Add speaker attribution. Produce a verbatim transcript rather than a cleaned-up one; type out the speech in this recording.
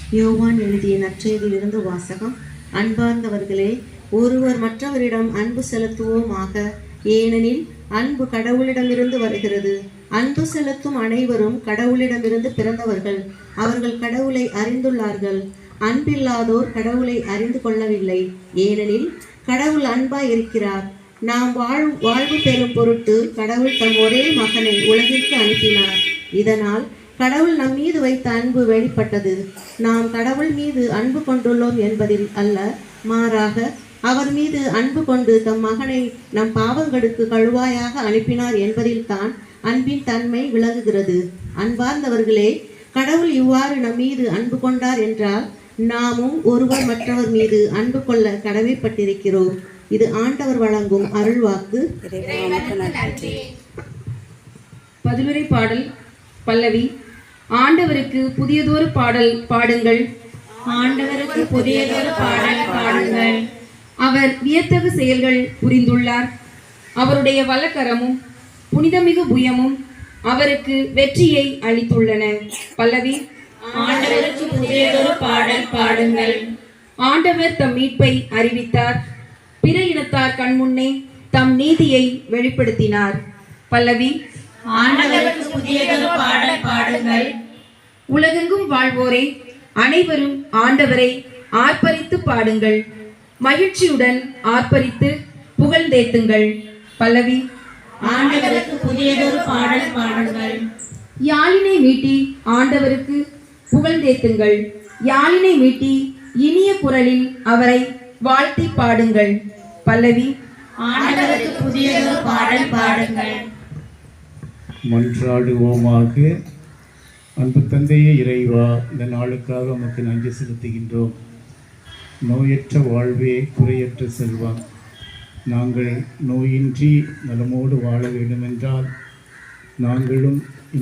Speaker 1: யோவான் எழுதிய நற்செய்தியிலிருந்து வாசகம். அன்பார்ந்தவர்களே, ஒருவர் மற்றவரிடம் அன்பு செலுத்துவோமாக, ஏனெனில் அன்பு கடவுளிடமிருந்து வருகிறது. அன்பு செலுத்தும் அனைவரும் கடவுளிடமிருந்து பிறந்தவர்கள், அவர்கள் கடவுளை அறிந்துள்ளார்கள். அன்பில்லாதோர் கடவுளை அறிந்து கொள்ளவில்லை, ஏனெனில் கடவுள் அன்பாய் இருக்கிறார். நாம் வாழ் வாழ்வு பெறும் பொருட்டு கடவுள் தம் ஒரே மகனை உலகிற்கு அனுப்பினார். இதனால் கடவுள் நம் மீது வைத்த அன்பு வெளிப்பட்டது. நாம் கடவுள் மீது அன்பு கொண்டுள்ளோம் என்பதில் அல்ல, மாறாக அவர் மீது அன்பு கொண்டு தம் மகனை நம் பாவங்களுக்கு கழுவாயாக அனுப்பினார் என்பதில் தான் அன்பின் தன்மை விளங்குகிறது. அன்பார்ந்தவர்களே, கடவுள் இவ்வாறு நம் மீது அன்பு கொண்டார் என்றால் நாமும் ஒருவர் மற்றவர் மீது அன்பு கொள்ள கடமைப்பட்டிருக்கிறோம். இது ஆண்டவர் வழங்கும் அருள்வாக்கு.
Speaker 2: பதிலுரை பாடல் பல்லவி. ஆண்டவருக்கு புதியதொரு பாடல் பாடுங்கள்,
Speaker 3: ஆண்டவருக்கு புதியதொரு பாடல் பாடுங்கள்.
Speaker 2: அவர் வியத்தகு செயல்கள் புரிந்துள்ளார். அவருடைய வலக்கரமும் புனிதமிகு புயமும் அவருக்கு வெற்றியை அளித்துள்ளன. பல்லவி.
Speaker 3: ஆண்டவருக்கு புதியதொரு பாடல் பாடுங்கள்.
Speaker 2: ஆண்டவர் தம் மீட்பை அறிவித்தார். பிற இனத்தார் கண்முன்னே தம் நீதியை வெளிப்படுத்தினார். பல்லவி.
Speaker 3: ஆண்டவருக்கு புதியதொரு பாடல் பாடுங்கள்.
Speaker 2: உலகெங்கும் வாழ்வோரே, அனைவரும் ஆண்டவரை ஆர்ப்பரித்து பாடுங்கள். மகிழ்ச்சியுடன் ஆர்ப்பரித்து புகழ்ந்தேத்துங்கள். பல்லவி.
Speaker 3: ஆண்டவருக்கு புதியதொரு பாடல் பாடுங்கள்.
Speaker 2: யாழினை மீட்டி ஆண்டவருக்கு புகழ்ந்தேத்துங்கள். யாழினை மீட்டி இனிய குரலில் அவரை வாழ்த்தி பாடுங்கள். பல்லவி.
Speaker 3: ஆண்டவருக்கு புதியதொரு பாடல் பாடுங்கள்.
Speaker 4: மன்றாடுவோமாக. அன்பு தந்தையே இறைவா, இந்த நாளுக்காக உமக்கு நன்றி செலுத்துகின்றோம். நோயற்ற வாழ்வே குறையற்ற செல்வம். நாங்கள் நோயின்றி நலமோடு வாழ வேண்டுமென்றால் நாங்களும்